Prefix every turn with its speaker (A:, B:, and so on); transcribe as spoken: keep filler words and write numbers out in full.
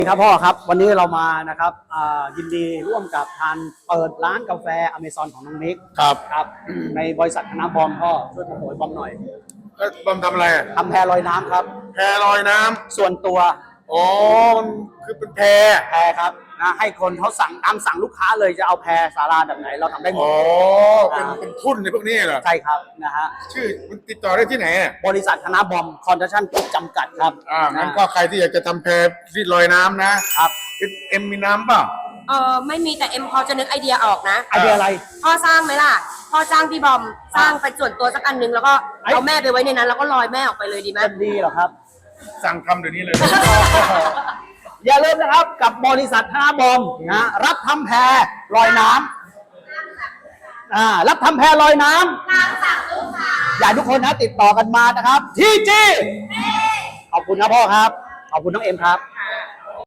A: ครับพ่อครับวันนี้เรามานะครับยินดีร่วมกับทานเปิดร้านกาแฟอเมซอนของน้องนิก
B: ครับ
A: ครับในบริษัทคณะบอมพ่อช่วยโปรโมทบอมหน่อย
B: บอมทำอะไร
A: ทำแพลอยน้ำครับ
B: แพลอยน้ำ
A: ส่วนตัว
B: อ๋อมันคือเป็นแพ
A: แพครับนะให้คนเขาสั่งตามสั่งลูกค้าเลยจะเอาแพสาราแบบไหนเราทำได้หมด
B: อ๋อเป็นเป็นทุนในพวกนี้เหรอ
A: ใช่ครับนะฮะ
B: ชื่อมันติดต่อได้ที่ไหน
A: บริษัทคณะบอมคอนดักชั่นกรุ๊ปจำกัดครับ
B: อ่างั้นก็ใครที่อยากจะทำแพที่ลอยน้ำนะครับเอ็มมีน้ำเปล่า
C: เออไม่มีแต่เอ็มพอจะนึกไอเดียออกนะ
A: ไอเดียอะไร
C: พ่อสร้างไหมล่ะพ่อจ้างพี่บอมสร้างเป็นส่วนตัวสักอันนึงแล้วก็เอาแม่ไปไว้ในนั้นแล้วก็ลอยแม่ออกไปเลยดีไหม
A: จะดีเหรอครับ
B: สั่งทำเดี๋ยวนี้เลย
A: อย่าลืมนะครับกับบริษัทคณะบอมนะรับทำแพลอยน้ำอ่ารับทำแพลอยน้ำอยากทุกคนนะติดต่อกันมานะครับทีจีขอบคุณนะพ่อครับขอบคุณน้องเอ็มครับ